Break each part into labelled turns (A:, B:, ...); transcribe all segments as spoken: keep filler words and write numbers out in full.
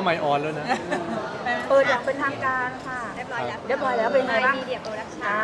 A: ไมค์ออนแล้วนะ
B: เปิดอย่างเป็นทางการค่ะ
C: เรียบร้อยแล้ว
B: เรียบร้อยแล้วเป็นไงบ้าง
C: มีเดียโปรดักชั่
B: อ่าน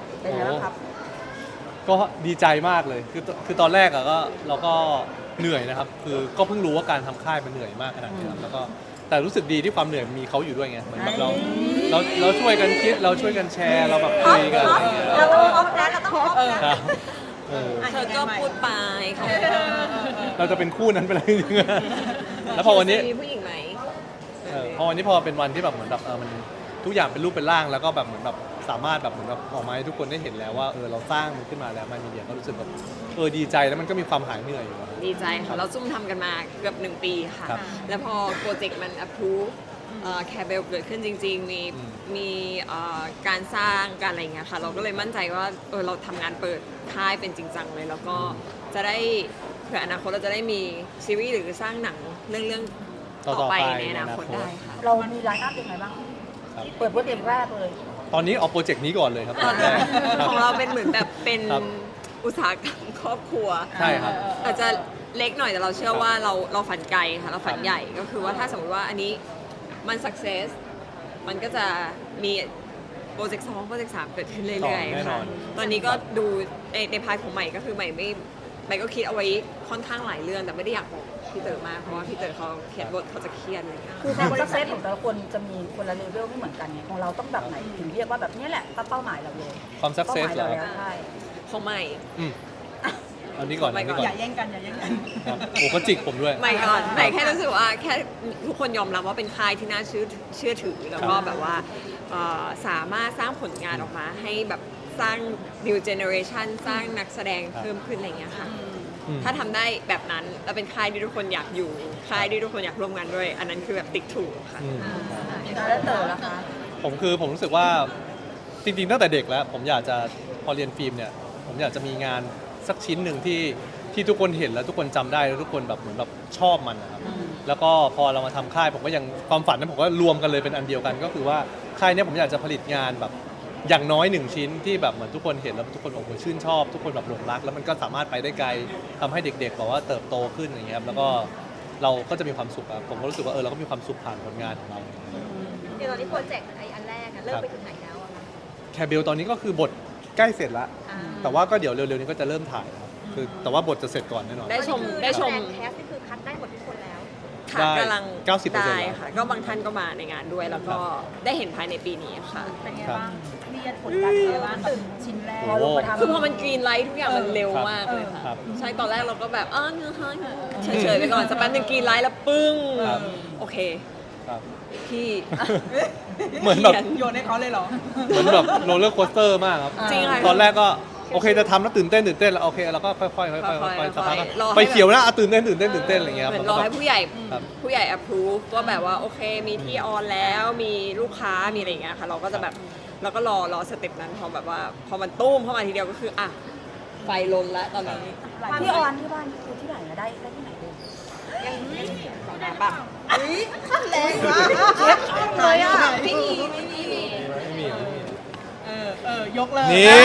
B: เป็นไงบ้างครับ
A: ก็ดีใจมากเลยคือคือตอนแรกอะก็เราก็เหนื่อยนะครับคือก็เพิ่งรู้ว่าการทำค่ายมันเหนื่อยมากขนาดนี้ครับแล้วก็แต่รู้สึกดีที่ความเหนื่อยมีเขาอยู่ด้วยไงเหมือนแบบเราเราเราช่วยกันคิดเราช่วยกันแชร์เราแบบคุยกันอะไรเงี้ย
C: เราต้องพบนะเราต้องพบ
B: เออ
A: ครับเออ
D: เธอก็พูดไปเขา
A: เราจะเป็นคู่นั้นไปเลยจริงๆแล้วพอวันนี้
D: มีผู้หญิงไหม
A: เออพอวันนี้พอเป็นวันที่แบบเหมือนแบบเออมันทุกอย่างเป็นรูปเป็นร่างแล้วก็แบบเหมือนแบบสามารถแบบเหมือนแบบออกมาให้ทุกคนได้เห็นแล้วว่าเออเราสร้างมันขึ้นมาแล้วมันมีเดียก็รู้สึกแบบเออดีใจแล้วมันก็มีความหายเหนื่อยอยู่อะ
D: ดีใจค่ะ เราซุ่มทำกันมาเกือบหนึ่งปีค่ะ
A: ครับ
D: แล้วพอโปรเจกต์มัน approve แคร์เบลเกิดขึ้นจริง ๆ มี
A: อืม
D: มีเอ่อการสร้างการอะไรอย่างเงี้ยค่ะ เราก็เลยมั่นใจว่าเออเราทำงานเปิดค่ายเป็นจริงจังเลย แล้วก็จะได้เผื่ออนาคตเราจะได้มีซีรีส์หรือสร้างหนังเรื่องเรื่องๆ
A: ต่
D: ต่
A: อ
D: อ
A: ๆ
D: ไป
A: ไป
D: ในอนาคต
A: ในอนาคต
D: ได้ค่ะ
B: เรามีไลน์อัพยังไงบ้าง
A: ครับ
B: เปิดโปรเจกต์แรกเลย
A: ตอนนี้เอาโปรเจกต์นี้ก่อนเลยครับตอนแรกครับ
D: ของเราเป็นเหมือนแบบเป็น
A: ครับ
D: อุตสาหกรรมครอบครัว
A: ใช่ครับ
D: อาจจะเล็กหน่อยแต่เราเชื่อว่าเราเราฝันไกลค่ะเราฝัน
A: ครับ
D: ใหญ่ก็คือว่าถ้าสมมติว่าอันนี้มัน success มันก็จะมีโปรเจกต์สองโปรเจกต์สามเกิดขึ้นเรื่อย
A: แน่
D: ๆ
A: นอ
D: ค่ะ
A: น
D: ตอนนี้ก็ดูในในพาร์ทของใหม่ก็คือใหม่ไม่ใหม่ก็คิดเอาไว้ค่อนข้างหลายเรื่องแต่ไม่ได้อยากบอกพี่เต๋อมากเพราะว่าพี่เต๋อเขาเขียนบทเขาจะเครียดอะไรอย่างเงี้ย
B: คือความสักเซสของแต่ละคนจะมีคนละเลเวลไม่เหมือนกันไงของเราต้องแบบไหนถึงเรียกว่าแบบนี้แหละเป้าหมายเราเลย
A: ความสัก
B: เป้า
A: เซ
B: ห
A: ส
B: มาย
A: เหร
B: เรา
A: อ
B: แล้วใช่
D: ของใหม่
A: อืมอันนี้ก่อนอันนี้ก่อน
C: อย่าแย่งกันอย่าแย่งกัน
A: ครับโอ้ก็จิกผมด้วย
D: ใหม่ก่อนใหม่แค่รู้สึกว่าแค่ทุกคนยอมรับว่าเป็นค่ายที่น่าเชื่อเชื่อถือแล้วก็แบบว่าเอ่อสามารถสร้างผลงานออกมาให้แบบสร้าง new generation สร้างนักแสดงเพิ่มขึ้นอะไรอย่างเงี้ยค่ะ
A: อืม
D: ถ้าทำได้แบบนั้นแล้วเป็นค่ายที่ทุกคนอยากอยู่ค่ายที่ทุกคนอยากร่วมงานด้วย อันนั้นคือแบบติ๊กถูกค่ะ
A: อืม
B: แล้วเต๋อล่ะคะ
A: ผมคือผมรู้สึกว่าจริงๆตั้งแต่เด็กแล้ว ผมอยากจะพอเรียนฟิล์มเนี่ยผมอยากจะมีงานสักชิ้นหนึ่งที่ที่ทุกคนเห็นแล้วทุกคนจำได้แล้วทุกคนแบบเหมือนแบบชอบมันนะครับแล้วก็พอเรามาทำค่ายผมก็ยังความฝันนั้นผมก็รวมกันเลยเป็นอันเดียวกัน ก็คือว่าค่ายเนี้ผมอยากจะผลิตงานแบบอย่างน้อยหนึ่งชิ้นที่แบบเหมือนทุกคนเห็นแล้วทุกคนโอ้โหชื่นชอบ ทุกคนแบบหลงรัก แล้วมันก็สามารถไปได้ไกลทำให้เด็กๆแบบว่าเติบโตขึ้นอย่างเงี้ยครับแล้วก็เราก็จะมีความสุขอะผมก็รู้สึกว่าเออเราก็มีความสุขผ่านผลงานของเรา
C: เดี๋ยวตอนนี้โปรเจกต์ไออันแรกอะเริ่มไปถึงไหนแล้วอะคะ
A: แคร์เบลตอนนี้ก็คือบทใกล้เสร็จแล้ว
C: อ่า
A: แต่ว่าก็เดี๋ยวเร็วๆนี้ก็จะเริ่มถ่ายแล้วคือแต่ว่าบทจะเสร็จก่อนแน่นอน
D: ได้ชม
C: ตอนนี้คือ
D: ได้ชม
C: นักแสดงแคสนี่คือคัดได้หมดทุกคนแล้ว
D: ค่ะ
A: ได้
D: กำลัง
A: เก้าสิบเปอร์เซ็นต์
D: ได้
A: แล้ว
D: ค่ะ ก็บางท่านก็มาในงานด้วย แล้วก็ได้เห็นภายในปีนี้ค่ะ
C: เป็นไง
A: ครับ
C: บ้างมีผลการเป็นไงบ้างตื่นชิ้นแรก
A: โอ้โห
D: คือพอมันกรีนไลท์ทุกอย่างมันเร็ว
A: ครับ
D: มากเลยค่ะ
A: ครับ
D: ใช่ ตอนแรกเราก็แบบอ้าวเนื้อหาเฉยๆไปก่อนสักแป๊บนึงกรีนไลท์แล้วปึ้ง
A: ครับ
D: โอเค
A: ครับ
D: พี่
A: เหมือนแบบ
D: ขีย
C: โยนให้เขาเลยเหรอ
A: เหมือนแบบโรลเลอร์โคสเตอร์มากครับ
D: จริงค่ะ
A: ตอนแรกก็โอเคจะทำแล้วตื่นเต้นตื่นเต้นแล้วโอเคเราก็ค่อยๆค่อยๆค่อยๆ
D: ค่อยๆ
A: สักพักก็
D: รอให้
A: ไปเขียวนะอ่ะตื่นเต้นตื่นเต้นตื่นเต้นอะไรเงี้ยครับ
D: เหมือน
A: แล้ว
D: ร
A: ก็
D: อให้ผู้ใหญ่
A: ครับ
D: ผู้ใหญ่ approve ว่าแบบว่าโอเคมีที่ออนแล้วมีลูกค้ามีอะไรอย่างเงี้ยค่ะเราก็จะแบบเราก็รอรอสเต็ปนั้นพอแบบว่าพอมันตุ้มเข้ามาทีเดียวก็คืออ่ะไฟลนแล้วตอนนี้
B: ที่ออนที่บ้านคือที่ไหนนะได้ได้ที่ไหนเลย
D: ยังยังปะ
C: แรงมาก
B: เช็คช่องเลยอ่ะ
C: ไม่มีไม่มี
A: ไม่มีไม่มี
C: เออเออยกเลย
A: นี่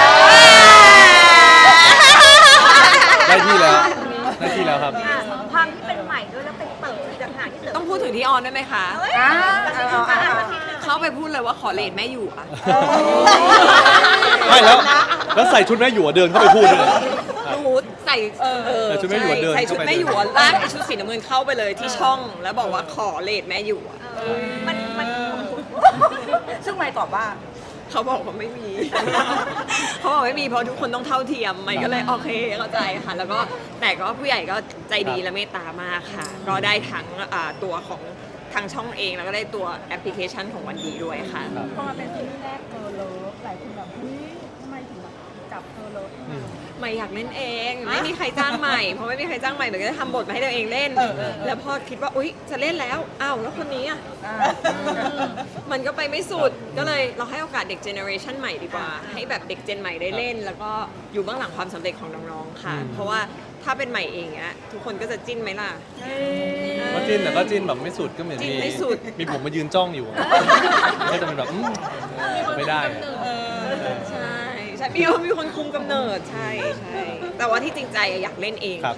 A: ได้ที่แล้วได้ที่แล้วครับ
C: ความที่เป็นใหม่ด้วยแล้วเป็นเปิดจากหางที่เติม
D: ต้องพูดถึงที่ออนได้ไหมคะ
B: อ่าเอาเอาเอาเอา
D: เข้าไปพูดเลยว่าขอเลทแม่อยู่อ่ะ
A: ไม่แล้วแล้วใส่ชุดแม่หยวเดินเข้าไปพูดเลย
D: หนูใส่เออ
A: ใส่ชุดแม่หยวเดิน
D: ใส่ชุด
A: เข้าไป
D: แม่หยวลากไอชุดสีน้ำเงินเข้าไปเลยที่ช่อง แล้วบอกว่าขอเลทแม่อยู่อะ
C: มันมัน
B: ซึ่งไม่ตอบว่า
D: เขาบอกว่าไม่มี เขาบอกไม่มีเพราะทุกคนต้องเท่าเทียมมันก็เลยโอเคเข้าใจค่ะ แล้วก็แต่ก็ผู้ใหญ่ก็ใจดีและเมตตามากค่ะ ก็ได้ทั้งอ่าตัวของทางช่องเองแล้วก็ได้ตัวแอปพลิเคชันของวันดีด้วยค่ะ
A: ครับ
E: พอมาเป็นซีรีส์แรกเธอเลิฟหลายคนแบบเฮ้ยทำไมถึงแบบจับเธอเลิฟ
A: อืม
D: ใหม่อยากเล่นเอง ไม่มีใครจ้างใหม่เพราะไม่มีใครจ้างใหม่เหมือนก็จะทำบทมาให้ตัวเองเล่น แล้วพอคิดว่าอุ๊ยจะเล่นแล้วอ้าวแล้วคนนี้อ่ะ
B: อ่า
D: มันก็ไปไม่สุดก็เลยเราให้โอกาสเด็กเจเนอเรชันใหม่ดีกว่า ให้แบบเด็กเจนใหม่ได้เล่น แล้วก็อยู่เบื้องหลังความสำเร็จของน้องๆค่ะ
A: อืม
D: เพราะว่าถ้าเป็นใหม่เองเนี้ยทุกคนก็จะจิ้นไหมล่ะ
A: ก็จิ้นแต่ก็จิ้นแบบไม่สุดก็เหมือน
D: จิ้น
A: มี
D: ไม่สุด
A: มีผมมายืนจ้องอยู่อะก็จะเป็นแบบอืมไม่ได้อะ
D: ใช่ใช่มีมีคนคุมกำเนิดใช่ใช่แต่ว่าที่จริงใจอะอยากเล่นเอง
A: ครับ
D: ค่ะ
A: อืม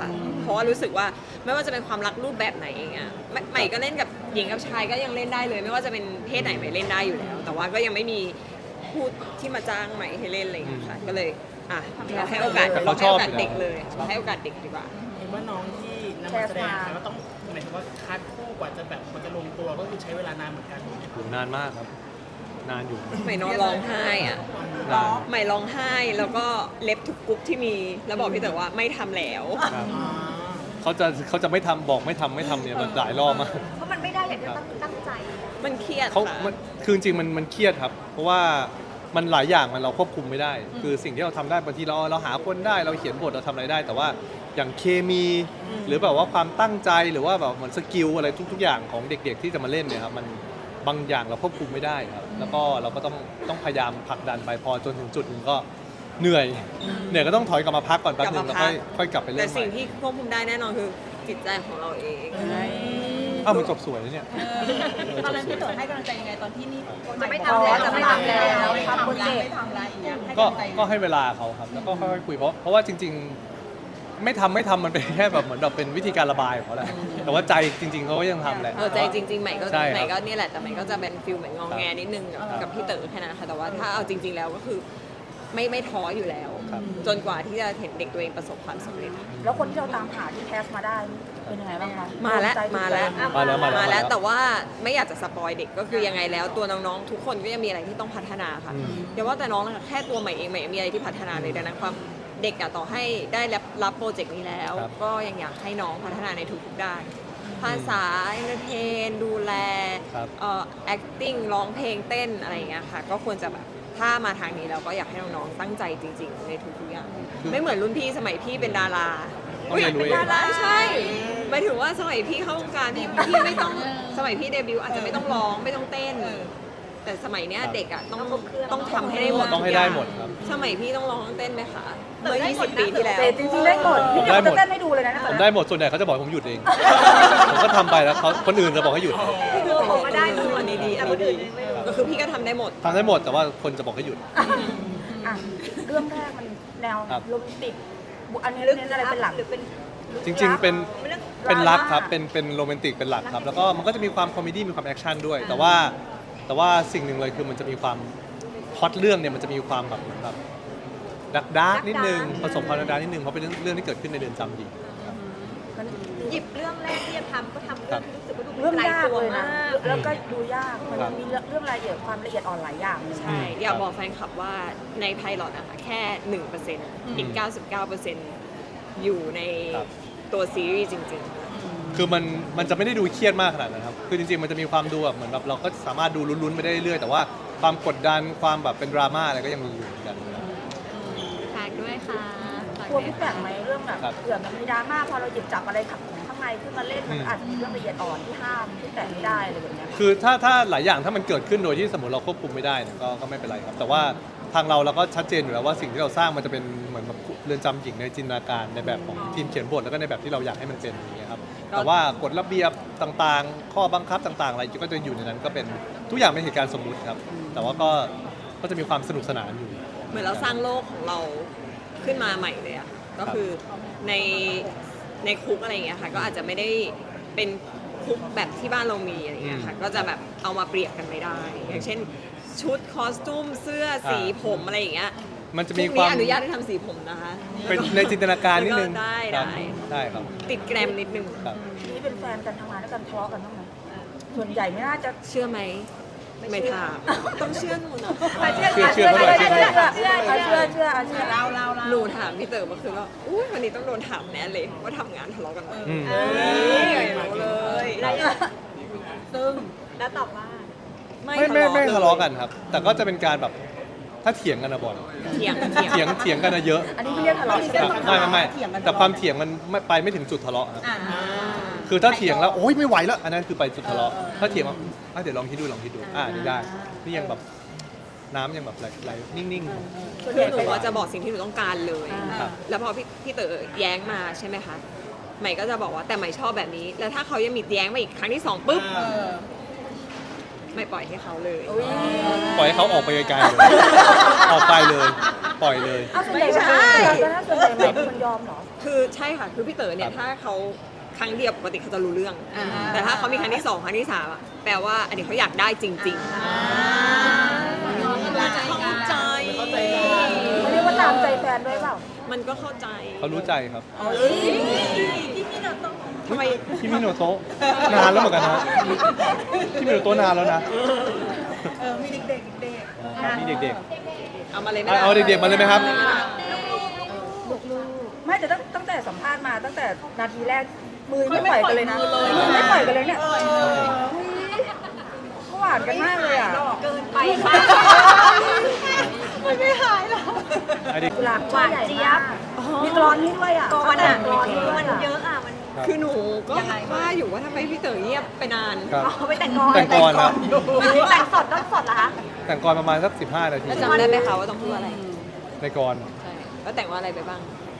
D: เพราะว่ารู้สึกว่าไม่ว่าจะเป็นความรักรูปแบบไหนเองอะใหม่ใหม่ก็เล่นกับหญิงกับชายก็ยังเล่นได้เลย ไม่ว่าจะเป็นเพศไหนใหม่เล่นได้อยู่แล้ว แต่ว่าก็ยังไม่มีพูดที่มาจ้างใหม่ให้เล่นอะไรอย่างเงี้ยค่ะก็เลยอ่ะเราให้โอกาส
A: แต่
D: เรา
A: เขาช
D: ให้
A: อบ
D: โอกาส
A: อยู่แล้ว
D: เด็กเลยเราให้โอกาสเด็กดีกว่า
F: เห็นว่าน้องที่นำมาแสดงก็ต้องหมายถึงว่าคัดคู่กว่าจะแบบมันจะลงตัวก็คือใช้เวลานานเหมือนกัน
A: อยู่นานมากครับ นานอยู่
D: ใหม่นอนร้องไห้อ่ะ
A: นาน
D: ใหม่ร้องไห้แล้วก็เล็บทุกกรุ๊ปที่มีแล้วบอกพี่เต๋อว่าไม่ทำแล้ว
A: ครับเขาจะเขาจะไม่ทำบอกไม่ทำไม่ทำเนี่ยมันหลายรอบมาก
C: เพราะมันไม่ได้อย่างที่ตั้งตั้งใจ
D: มันเครียด
A: เขา
D: ค่ะ
A: มันคือจริงๆมันมันเครียดครับ เพราะว่ามันหลายอย่างมันเราควบคุมไม่ได้ คือสิ่งที่เราทำได้บางทีเราเราหาคนได้เราเขียนบทเราทำอะไรได้ แต่ว่าอย่างเคมี หรือแบบว่าความตั้งใจหรือว่าแบบเหมือนสกิลอะไรทุก ๆ อย่างของเด็ก ๆ ที่จะมาเล่นเนี่ยครับมันบางอย่างเราควบคุมไม่ได้ครับ แล้วก็เราก็ต้องต้องพยายามผลักดันไปพอจนถึงจุดหนึ่งก็เหนื่อยเหนื่อยก็ต้องถอยกลับมาพักก่อนแป๊บนึงแล้วค่อยค่อยกลับไปเริ่
D: แต่
A: มให
D: สิ่ง
A: ม่
D: ที่ควบคุมได้แน่นอนคือจิตใจของเราเอง
A: อ้าวมันจบสวยแล้วเนี่ย
E: ตอนนั้นพี่เต๋อให้กำลังใจยังไงตอนที่นี่
C: จะไม่ทำแล้ว
B: จะไม่ทำแล้ว
E: ไม่
B: ทำ
E: ทำ
B: โปร
E: แล้
B: เจ
E: ว
B: ก
E: ไม่
B: ต์
E: ทำแล้วอย่างเงี้ยให้
A: ก็
E: กำลังใจ
A: ก็ให้เวลาเขาครับ แล้วก็ค่อยๆคุยเพราะเพราะว่าจริง ๆ ไม่ทำไม่ทำมันเป็นแค่แบบเหมือนแบบเป็นวิธีการระบายของเขาแหละแต่ว่าใจจริง ๆเขาก็ยังทำแหละ
D: เออใจจริงๆใหม่ก็
A: ใช่ครับ
D: ใหม่ก็นี่แหละแต่ใหม่ก็จะเป็นฟิลเหมือนงองแงนิดนึงกับ
A: ครับ
D: กับพี่เต๋อแค่นั้นค่ะแต่ว่าถ้าเอาจริง ๆแล้วก็คือไม่ไม่ท้ออยู่แล้ว
A: ครับ
D: จนกว่าที่จะเห็นเด็กตัวเองประสบความสำเร็จ
B: แล้วคนที่เราตามหาที่แคสมาได้เป็นยังไงบ้างคะ
D: มาแล้ว
B: ใจถูก
D: มาแล้ว
B: ใจ
A: มาแล้วมาแล้ว
D: มาแล้วแต่ว่าไม่อยากจะสปอยเด็กก็คือยังไงแล้วตัวน้องๆทุกคนก็ยังมีอะไรที่ต้องพัฒนาค่ะ
A: อืม
D: อย่าว่าแต่น้องนะคะแค่ตัวใหม่เองใหม่ยังมีอะไรที่พัฒนาเลยดังนั้นความเด็กอะต่อให้ได้รับรับโปรเจกต์นี้แล้ว
A: ครับ
D: ก็ยังอยากให้น้องพัฒนาในทุกๆด้าน ภาษาเอนเตอร์เทนดูแล
A: ครับ
D: เอ่อ acting ร้องเพลงเต้นอะไรอย่างเงี้ยค่ะ ก็ควรจะแบบถ้ามาทางนี้เราก็อยากให้น้องๆตั้งใจจริง ๆ ในทุกๆอย่าง ไม่เหมือนรุ่นพี่สมัยพี่เป็นดารา
A: ต้องเรียนรู้
D: เป็น
A: เอง
D: ดาราใช่หมายถึงว่าสมัยพี่เข้าวงการพี่พี่ไม่ต้องสมัยพี่เดบิวต์อาจจะไม่ต้องร้องไม่ต้องเต้น แต่สมัยเนี้ยเด็กอ่ะต้องต้องทำให้ได้หมด
A: ต้องให้ได้หมดครับ
D: สมัยพี่ต้องร้องต้องเต้นไหมคะเมื่อยี่สิบปีที่แล้ว
B: แต่จริงๆได้หมดพี่เดี๋ยว
A: ได้หม
B: จะ
A: ด
B: เต้นให้ดูเลยนะ
A: ผมได้หมดส่วนใหญ่เขาจะบอกให้ผมหยุดเอง ผมก็ทำไปแล้วเขาคนอื่นจะบอกให้หยุด
C: คือผมก็ได้
D: อันนี้ดีอันนี้ดีก็คือพี่ก็ทำได้หมด
A: ทำได้หมดแต่ว่าคนจะบอกให้หยุด
B: อ่ะเรื่องแรกมันแนว
A: ครับ
B: โรแมนติกอันนี้เน้นอะไรเป็นหลัก
C: หรือเป็น
A: จริง ๆ เป็น
C: เรื่อง
A: เป็นรัก
B: ดราม่า
A: ครับ เป็นเป็นโรแมนติกเป็นหลักครับ แล้วก็มันก็จะมีความคอมเมดี้มีความแอคชั่นด้วย แต่ว่าแต่ว่าสิ่งหนึ่งเลยคือมันจะมีความพล็อตเรื่องเนี่ยมันจะมีความแบบเหมือนแบบดักดาร์กนิดนึงผสมความดักดาร์กนิดนึงเพราะเป็นเรื่องเรื่องที่เกิดขึ้นในเรือนจำหญิง
B: มัน
C: หยิบเรื่องแรกที่จะทำก็ทำเรื่องที่รู้สึกว่าดู
B: เรื่อง
C: ไกล
B: ยาก
C: ตัว
B: เลย
C: มา
B: นะ
C: ก
B: แล้วก็ดูยากมัน
A: ครับ
B: มีเรื่องเรื่องรายละเอียดความละเอียดอ่อนหลายอย่างเลย
D: ใช่ อยากบอกแฟนคลับว่าในไพลอตอะค่ะแค่ หนึ่งเปอร์เซ็นต์ อีก เก้าสิบเก้าเปอร์เซ็นต์ อยู่ใน
A: ครับ
D: ตัวซีรีส์จริง
A: คือมันมันจะไม่ได้ดูเครียดมากขนาดนั้นครับ คือจริงๆ มันจะมีความดูแบบเหมือนแบบเราก็สามารถดูลุ้นๆไปได้เรื่อยๆ แต่ว่าความกดดันความแบบเป็นดราม่าอะไรก็ยังมีอยู่เหมือนกัน
C: ฝากด้วยค่ะ
B: กลัวพี่แปลกไหมเรื่องแบบ
A: ครับ
B: เผื่อมันมีดราม่าพอเราหยิบจับอะไรขับข้างในขึ้นมาเล่นมัน
A: อืม
B: อาจจะมีเรื่องละเอียดอ่อนที่ห้ามที่แตะไม่ได้อะไรแบบเนี้ย
A: คือถ้าถ้าหลายอย่างถ้ามันเกิดขึ้นโดยที่สมมติเราควบคุมไม่ได้เนี่ยก็ก็ไม่เป็นไรครับ แต่ว่าทางเราเราก็ชัดเจนอยู่แล้วว่าสิ่งที่เราสร้างมันจะเป็นเหมือนแบบเรือนจำหญิงในจินตนาการในแบบของทีมเขียนบทแล้วก็ในแบบที่เราอยากให้มันเป็นอย่างเงี้ยครับแต่ว่ากฎระเบียบต่างๆ ข้อบังคับต่างๆอะไรก็จะอยู่ในนั้นก็เป็นทุกอย่างเป็นเหตุการณ์สมมุติครับ แต่ว่าก็ก็จะมีความสนุกสนานอยู่
D: ๆ เหมือนเราสร้างโลกของเราขึ้นมาใหม่เลยอะก็คือในในคุกอะไรอย่างเงี้ยค่ะ ก็อาจจะไม่ได้เป็นคุกแบบที่บ้านเรามีอะไรอย่างเงี้ยค่ะ ก็จะแบบเอามาเปรียบกันไม่ได้ อย่างเช่น ชุดคอสตูมเสื้อสีผมอะไรอย่างเงี้ย
A: มันจะ
D: คุ
A: มี
D: ก
A: ควา
D: นี้
A: ม
D: อนุญาตให้ทำสีผมนะคะ
A: เป็นในจินตนาการนิดนึง
D: ก็ได้
A: ครับ
D: ได้
A: ได้ครับ
D: ติดแกรมนิดนึง
A: ครับ
B: นี่เป็นแฟนกันทำงานด้วยกันทะเลาะกันบ้างไหมส่วนใหญ่ไม่น่าจะ
D: เชื่อไหมไม่ถามต้องเชื่อหนูนะ
B: เชื่อ
A: เชื่อเชื่อ
B: เชื่อ
A: เชื่
B: เชื่
A: อ
B: อเชื่อเชื่อเชื่อเชื่อ
E: เราเราเรา
D: หนูถามพี่เต๋อเมื่อคืนว่าอุ้ยวันนี้ต้องโดนถามแน่เลยว่าทำงานทะเลาะกันไหม
A: อืม
D: เอ้ยรู้เลย
E: ซึ่ง
C: แล้วตอบว่า
A: ไม่ไม่ไม่ทะเลาะกันครับ แต่ก็จะเป็นการแบบถ้าเถียงกันนะบอล
D: เถียงเถียง
A: เถียงเถียงกันนะเยอะ
B: อันนี้ไม่เรียกทะเลาะใช่ไหม
A: ไม่ไม่ไม่แต่ความเถียงมันไม่ไปไม่ถึงจุดทะเลาะครับ
E: อ่า
A: คือถ้าเถียงแล้วโอ๊ยไม่ไหวแล้ว อันนั้นคือไปจุดทะเลาะถ้าเถียงว่าอ่ะเดี๋ยวลองคิดดูลองคิดดูอ่านี่ได้นี่ยังแบบน้ำยังแบบไหลๆนิ่ง
B: ส่วน
D: คื
B: ให
D: อ
B: ญ่
D: หนู
B: ไป
D: ว่าจะบอกสิ่งที่หนูต้องการเลย
A: ครับ
D: แล้วพอพี่พี่เต๋อแย้งมาใช่ไหมคะใหม่ก็จะบอกว่าแต่ใหม่ชอบแบบนี้ แล้วถ้าเขายังมีแย้งมาอีกครั้งที่สองปุ๊บ
E: เออ
D: ไม่ปล่อยให้เขาเลย
B: อุ๊ย
A: ๆปล่อยให้เขาออกไปไกลๆเลยออกไปเลยปล่อยเลย
B: เอาส่วนใหญ่
D: ไม่ใช่
B: แล้วถ้าส่วนใหญ่ไม่เป็นคนยอมเหรอ
D: คือใช่ค่ะ คือพี่เต๋อเนี่ย
A: ครับ
D: ถ้าเขาครั้งเดียวปกติเขาจะรู้เรื่อง แต่ถ้าเขามีครั้งที่สองครั้งที่สามอะแปลว่าอันนี้เขาอยากได้จริงๆเข้าใจ
F: เข้าใจกัน
B: เขาเรียกว่าตามใจแฟนด้วยเปล่า
D: มันก็เข้าใจ
A: เขารู้ใจครับ
D: ทำไม
A: พี่มิโนโตะนานแล้วเหมือนกันนะพี่มิโนโตะนานแล้วนะ
E: เออมีเด็กๆเด็ก
A: อ๋อมีเด็ก
D: เอามาเลยไหม
A: ๆ
D: ล่ะ
A: เอาเด็กๆมาเลยไหมครับ
B: ไม่แต่ตั้งตั้งแต่สัมภาษณ์มาตั้งแต่นาทีแรกมือไม่ปล่อยกันเลยนะไม่ปล่อยกันเลยเนี่ยเขาหวานกันมากเลยอ่ะ
C: เกินไปค่ะ
D: ไม่หายหรอก
A: ไอ้เด็ก
B: กุหลาบหวานเจี๊ยบมีกรอนให้ด้วยอ่ะ
C: กอนอ่ะ
B: กรอนให้ด้วย
C: มัน
B: อ่ะ
C: เยอะอ่ะ มัน
A: ครับ
D: คือหนูก็ว่าอยู่ว่าทำไมพี่เต๋อเงียบไปนาน
A: ครับ
C: เอาไปแต่งกอน
A: แต่งกรครับ
C: แต่งสดต้องสดเหรอคะ
A: แต่งกรประมาณสักสิบห้านาที
D: แล้วจำได้ไหมคะว่าต้องพูดอะไร
A: ในกร
D: ใช่แล้วแต่งว่าอะไรไปบ้าง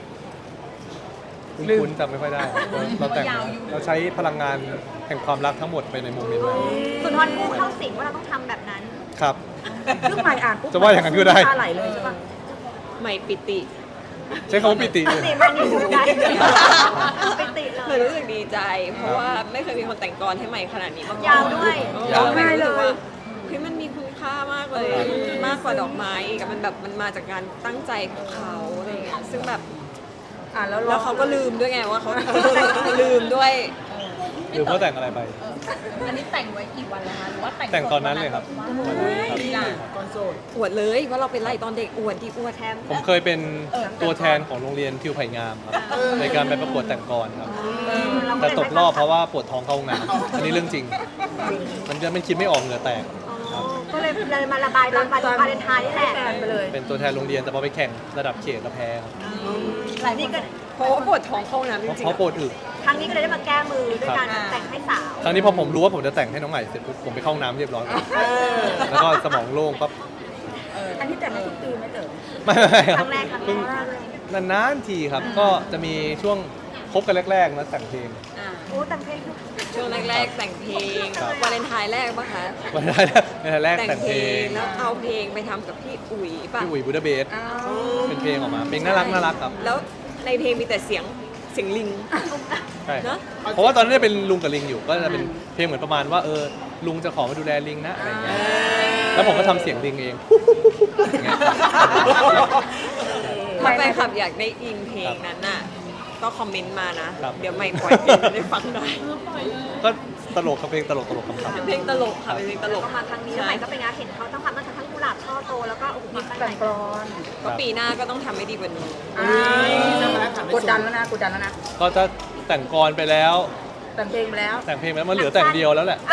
A: คุ้นๆจำไม่ค่อยได้ เราแต่งเราใช้พลังงานแห่งความรักทั้งหมดไปในโมเมนต์นั้น
C: สุนทรภู่เข้าสิงว่าเราต้องทำแบบนั้น
A: ครับ
B: ซึ่งใหม่อ่านปุ๊บ
A: จะว่าอย่างนั้นก็ได้
B: ตาไหลเลยใช่ปะ
D: ใหม่ปิติ
A: ใช้คำว่าปิติเลย
C: ปิติมันอยู่ใจปิติเล
D: เลย
C: ย
D: รู้สึกดีใจ เพราะว่าไม่เคยมีคนแต่งกรให้ใหม่ขนาดนี้มาก่อน
C: ยาวด้วย
A: ยาว
D: ง่ายเลยเฮ้ยมันมีคุณค่ามากเลย มากกว่าดอกไม้อีกอะมันแบบมันมาจากการตั้งใจของเขาอะไรเงี้ยซึ่งแบบ
B: อ่านแล้วร้
D: แล้
B: อ
D: ว
B: ง
D: เขาก็ลืมด้วยไงว่าเขา ลืมด้วย
A: หรือเขาแต่งอะไรไป
E: อันนี้แต่งไว้กี่วันแล้วคะหรือว่าแต่ง
A: แต่งตอนนั้นเลยครับวันนั้นครับ
F: ก่อนโสด
D: อวดเลยว่าเราเป็นไรตอนเด็กอวดที่อวดแทม
A: ผมเคยเป็นตัวแทนของโรงเรียนทิวไผ่งามครับในการไปประกวดแต่งกรครับ แต่ตกรอบเพราะว่าปวดท้องเข้าห้องน้ำอันนี้เรื่องจริง มันจะมันคิดไม่ออกเหงื่อแตก
C: ก็เลยเลยมาระบายตอนวันวาเลนไทน์นี่แหละ
B: แฟนไปเลย
A: เป็นตัวแทนโรงเรียนแต่พอไปแข่งระดับเขตแล้วแพ้ครับ
C: หลายนี่ก็
D: เพราะว่าปวดท้องเข้าห้องน้ำจ
A: เพราะ
D: ริง
A: เพราะปวดอึ
C: ครั้งนี้ก็เลยได้มาแก้มือด้วยการแต่งให้สาว
A: ครั้งนี้พอผมรู้ว่าผมจะแต่งให้น้องใหม่เสร็จปุ๊บผมไปเข้าห้องน้ำเรียบร้อยแล้วก็สมองโล่งปั๊บ
B: อันนี้แต่งให้ทุกปีไหม่เต๋อ
A: ไม่ไม่ค
C: ค
A: รั
C: รั้
A: บ
C: งแรกครั้ง
A: เพิ่ง
C: แรก
A: นานๆทีครับ ก็จะมีช่วงคบกันแรกๆนะแต่งเพลง
C: โอ้แต่งเพลง
D: ๆช่วงแรกๆแต่งเพลง
A: ครับ
D: วาเลนไทน์แรกปะคะ
A: วันแรกวันแรกแต่งเพลง
D: แล้วเอาเพลงไปทำกับพี่อุ๋ยป่ะ
A: พี่อุ๋ยบูดาเบสเป็นเพลงออกมาเพลงน่ารักน่ารักครับ
D: แล้วในเพลงมีแต่เสียงเสียงลิง
A: ใช่
D: เนอะ
A: เพราะว่าตอนนั้นเป็นลุงกับลิงอยู่ก็จะเป็นเพลงเหมือนประมาณว่าเออลุงจะขอมาดูแลลิงนะอะไรอย่างเงี้ยแล้วผมก็ทำเสียงลิงเองอย่างเงี้ย
D: ถ้าแฟนคลับอยากได้อินเพลงนั้นน่ะก็คอมเมนต์มานะ
A: ครับ
D: เดี๋ยวไม่ปล่อยเพลงได้ฟังได้
A: ก็ตลกครับเพลงตลกตลกคำ
D: เป็นเพลงตลกค่ะเป็นเพลงตลก
C: ก็มาครั้งนี้แล้วใหม่ก็เป็นงานเห็นเขาต้องทำตั้งแต่ทั้งกุหลาบช่อโตแล้วก็โอ้โหมีตั้ง
B: แต่ง
C: แต่
B: กรอน
D: ก็ปีหน้าก็ต้องทำให้ดีกว่านี้
B: กดดันแล้วนะกดดันแล้วนะ
A: ก็จะแต่งกรไปแล้ว
B: แต่งเพลงไปแล้ว
A: แต่งเพลงไปแล้วมันเหลือแต่งเดียวแล้วแหละ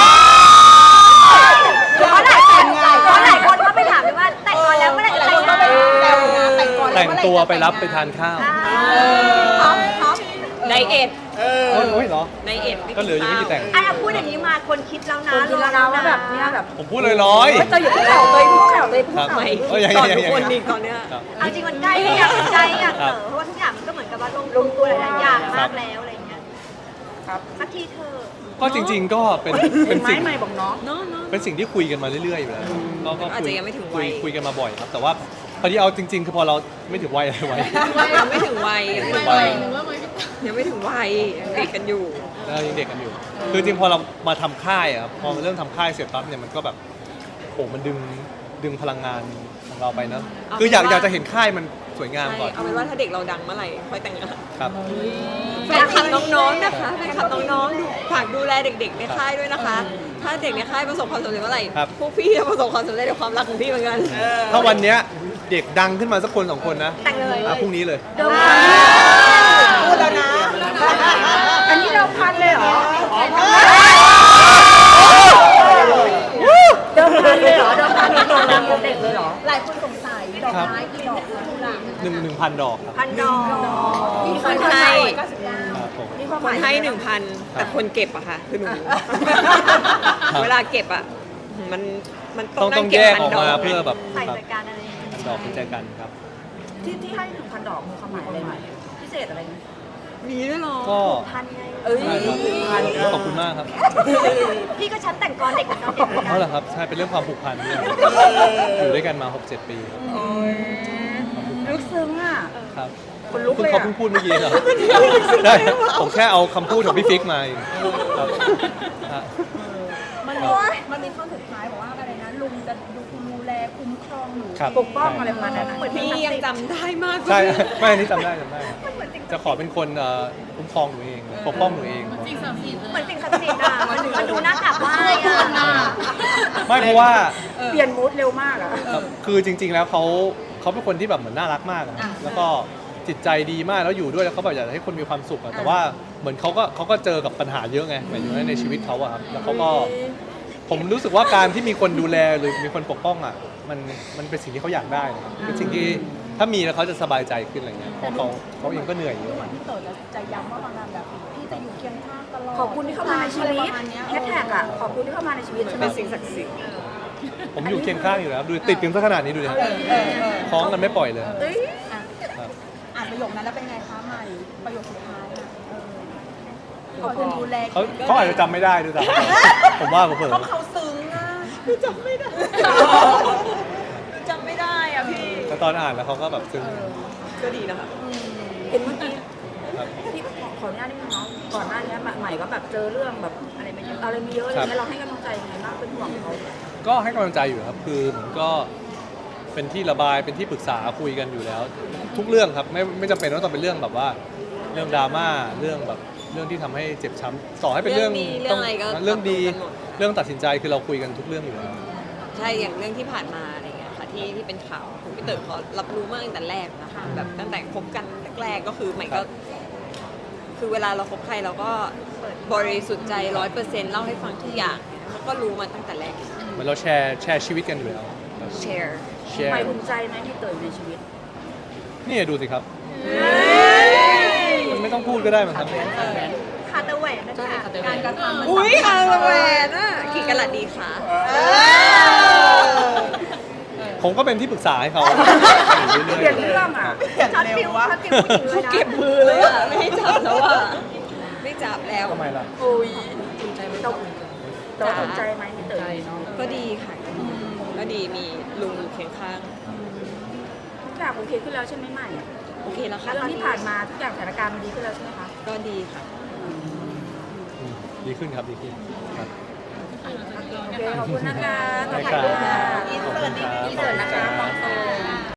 C: เพราะหลายคนเพราะหลายคนเขาไปถามเลยว่าแต่งก่อนแล้วเมื่อไหร่จะแต่งงาน
E: แต่งก่อน
A: แต่งตัวไปรับไปทานข้าว
C: พร้อมพร้อม
D: ไดเอท
A: โอ้ยเหรอ
D: ไดเอท
A: ก็เหลือยังไม่กี่แต่ง
C: ไอ้พูดอย่างนี้มาคนคิดแล้วนะ
B: คนคิดแล้วนะว่าแบบเนี้ยแบบ
A: ผมพูดเลยร้อย
B: เฮ้ยเตยอยู่ที่แถวเตยพูดแถวเตยพูด
A: ครับ
B: แถว
D: ไม่
A: เอ้ยยัง
D: ตอน
A: ยัง
D: ทุก
A: ยัง
D: คนอีกตอนเนี้ย
A: ครับ
C: เอาจริงมันใกล้อยากใกล้อยากเต๋อเพราะว่าทุกอย่างมันก็เหมือนกับว่าลงลงตัวหลายๆอย่างมากแล้วอะไรอย่างเงี้ย
B: ครับ
C: สักทีเธอ
A: ก็จริง ๆ ก็เป็น
B: เป็
A: เป็น น
B: ไม้
A: สิ่ง
B: ใหม่บอกน้อง
D: เนาะเนาะ
A: เป็นสิ่งที่คุยกันมาเรื่อยๆอยู่แล้วก็ก็
D: อาจ
A: คุ
D: จะยังไม่ถึงวั
A: คุย
D: ย
A: คุยกันมาบ่อยครับ แต่ว่าพอดีเอาจริง ๆ คือพอเราไม่ถึงวัยอะไรวัย
D: ยังไม่ถึงวัยยังไม่ถึงวัยยังไม่ถึงวัยยังเด็กกันอยู่
A: เรายังเด็กกันอยู่ คือจริงๆพอเรามาทำค่ายอะครับพอเริ่มทำค่ายเสร็จปั๊บเนี่ยมันก็แบบโอ้มันดึงดึงพลังงานของเราไปเนอะ
D: เอา
A: คืออยาก
D: เป็นว่า
A: อยากจะเห็นค่ายมันสวยงาม
D: ใช่
A: ก่อน
D: เอาเป็นว่าถ้าเด็กเราดังเมื่อไหร่ค่อยแต่งงาน
A: ครับ
D: แฟนคลับน้องๆนะคะแฟนคลับน้องๆดูฝากดูแลเด็กๆในค่ายด้วยนะคะ ถ้าเด็กในค่ายประสบความสำเร็จเมื่อไหร่
A: ครับ
D: พวกพี่จะประสบความสำเร็จในความรักของพี่เหมือนกัน
A: ถ้าวันเนี้ยเด็กดังขึ้นมาสักคนสองคนนะ
C: แต่งเลย
A: อ่ะพรุ่งนี้เลย
B: เดิมพันพูดแล้วนะ อันนี้เดิมพันเลยเหรอ เดิมพันเลยเหรอ เดิมพันเป็นตัวดังของเด็กเลยเหรอ
E: หลายคนสงสัยดอกไม้กี่ดอกคะกุหลาบ
A: หนึ่งหนึ่งพันดอกครับ
C: พันดอก
D: มีคนให้
A: ครับผม
B: นี่ความห
D: ค
B: มาน ย
D: ให้หนึ่งพันแต่คนเก็บอะค่ะคือหนู
A: ครับ
D: เวลาเก็บอะมันมันต้
A: ต้
D: อ
A: อง ง
D: นั่
A: ต้อง ง
D: เก็บ
A: แยก
D: พัน
A: ออก
D: ดอ
A: มาก เพื่อแบบ
C: ใส่
A: ครับ
C: รายการอะไรอย่างเงี้ย
A: พันดอกเป็นใจกันครับ
B: ที่ที่ให้หนึ่งพันดอกมีความหมายอะไรไหมพิเศษอะไรไหม
D: มีด้วยเหรอ
A: ก็
C: พันไง
B: เอ้ย
A: ใช่ครับขอบคุณมากครับ
C: พี่ก็ฉันแต่งก่อนเด็กเหมือนกันเด็กเหมือนกั
A: เอา
C: น
A: เหรอครับใช่เป็นเรื่องความผูกพันด้วยอยู่ด้วยกันมา หกเจ็ด ปีครับ
B: ลึกซึ้งอ่ะ
A: ครับ
B: คนลุก
A: เพิ่ง
B: เลย
A: เขา
B: อ่ะ
A: เพิ่งพูดเมื่อกี้เหรอใช่ผมแค่เอาคำพูดของพี่ฟิกมาเองครับฮะ
E: มันมีมันมีท่อนสุดท้ายบอกว่าอะไรนะลุงจะดูดูแลคุ้มครองหนู
A: ครับ
B: ปกป้องอะไรประมาณนั้นอะ
D: เหมือนพี่ยังจำได้มาก
A: ใช่ ไม่อันนี้จำได้จำได้จะขอเป็นคนเอ่อคุ้มครองหนูเองปกป้องหนูเอง
C: เหมือนสิ่งศักดิ์สิทธิ์อ่ะมันมันดูน่ากลับไหว้อ่ะ
A: ไม่เพราะว่า
B: เปลี่ยนมูดเร็วมากอ่ะ
A: ครับคือจริง ๆ แล้วเขาเขาเป็นคนที่แบบเหมือนน่ารักมากอะแล้วก็จิตใจดีมากแล้วอยู่ด้วยแล้วเขาแบบอยากให้คนมีความสุขอะแต่ว่าเหมือนเขาก็เขาก็เจอกับปัญหาเยอะไงหมายถึงว่าในชีวิตเขาอะครับแล้วเขาก็ผมรู้สึกว่าการที่มีคนดูแลหรือมีคนปกป้องอะมันมันเป็นสิ่งที่เขาอยากได้นะครับเป็นสิ่งที่ถ้ามีแล้วเขาจะสบายใจขึ้นอะไรเงี้ยเพราะเขาเขาเองก็เหนื่อยเยอะ
E: พี่เต๋อจะจะย้ำว่าประมาณแบบพี่จะอยู่เคียงข้างตลอด
B: ขอบคุณที่เข้ามาในชีวิต
E: ประมาณเนี้ย
B: แฮชแท็กอ่ะขอบคุณที่เข้ามาในชีวิตใช่ไหม
D: เป็นสิ่งศักดิ์สิทธิ์
A: ผมอยู่เคียงข้างอยู่แล้วดูติดกันซะขนาดนี้ดูดิ
E: เออเออเออ
A: คล้องกันไม่ปล่อยเลย
B: เอ้ย
E: อ่ะ
A: ครับ
E: อ่านประโยคนั้นแล้วเป็นไงคะใหม่ประโยคสุดท้ายอ่ะเออ
B: ขอบคุณ
E: ดูแล
A: เขาเขาอาจจะจำไม่ได้ด้วยซ้ำผมว่าผมเผลอ
E: เขาเขาซึ้งอ่ะคือจำไม่ได้จำไม่ได้อ่ะพี่
A: แต่ตอนอ่านแล้วเขาก็แบบซึ้ง
D: ก็ดีนะคะ
B: เห็นเมื่อกี้
A: ครับ
B: ที่ขออนุญาตนิดนึงเนาะก่อนหน้านี้ใหม่ก็แบบเจอเรื่องแบบอะไรไม่เยอะอะไรไม่เยอะอะไรเงี้ยเราให้กำลังใจยังไงบ้างเป็นห่วงเขา
A: ก็ให้กำลังใจอยู่ครับ คือเหมือนก็เป็นที่ระบาย เป็นที่ปรึกษาคุยกันอยู่แล้ว ทุกเรื่องครับ ไม่ไม่จำเป็นว่าต้องเป็นเรื่องแบบว่า เรื่องดราม่า เรื่องแบบเรื่องที่ทำให้เจ็บช้ำต่อให้เป็นเรื่อง
D: เรื่องดีเรื่องอะไรก็
A: เรื่องดี
D: รับรู้กันหมด
A: เรื่องตัดสินใจคือเราคุยกันทุกเรื่องอยู่แล้ว
D: ใช่อย่างเรื่องที่ผ่านมาอะไรเงี้ยค่ะที่ที่เป็นข่าวผมพี่เต๋อเขารับรู้มาตั้งแต่แรกนะคะแบบตั้งแต่คบกันแรกๆก็คือใหม่
A: ครั
D: ก็
A: บ
D: คือเวลาเราคบใครเราก็บริสุทธิ์ใจร้อยเปอร์เซ็นต์เล่าให้ฟังทุกอย่างเขาก็รู้มาตั้งแต่แรก
A: เหมือนเราแชร์แชร์ชีวิตกันอยู่แล้ว
D: แชร์
A: แชร์
B: ใหม่ภูมิใจไหมที่เติร์ในชีวิต
A: นี่ดูสิครับ มันไม่ต้องพูดก็ได้มั้งครับ
C: คาตาแหวนนะคะการกระทำมัน
D: อุ้ยอาแหวนอ่ะกี่กะลัดดีคะ
A: ผมก็เป็นที่ปรึกษาให้เขาอยู่
B: เป
A: เรื่
B: ลี่
A: อย
B: นเรื่องอ่ะ
C: ช็อตฟิวช็อตฟิวผู้หญิงเลยนะ
D: เก็บมือเลยอ่ะไม่ให้จับแล้วอ่ะไม่จับแล้ว
A: ๆทำไมล่ะ
B: โอ้ยภูมิใจไหมเราเราภูมิใจไหมที่เติร์
D: ก็ดีค่ะก็ดีมีลุงอยู่เคียงข้าง
B: ทุกอย่างโอเคขึ้นแล้วใช่ไหมใหม่
D: โอเคแล้วค่ะ
B: เรื่องที่ผ่านมาทุกอย่างสถานการณ์มันดีขึ้นแล้วใช่ไหมคะ
D: ก็ดีค่ะ
A: อืมดีขึ้นครับดีขึ้นครับ
B: โอเคขอบคุณนะคะขอบ
A: ได้
B: คุณ
A: ครั
B: ค่ะ
A: บขอบคุณครับ
B: อินเสิร์ตนะคะมองตรง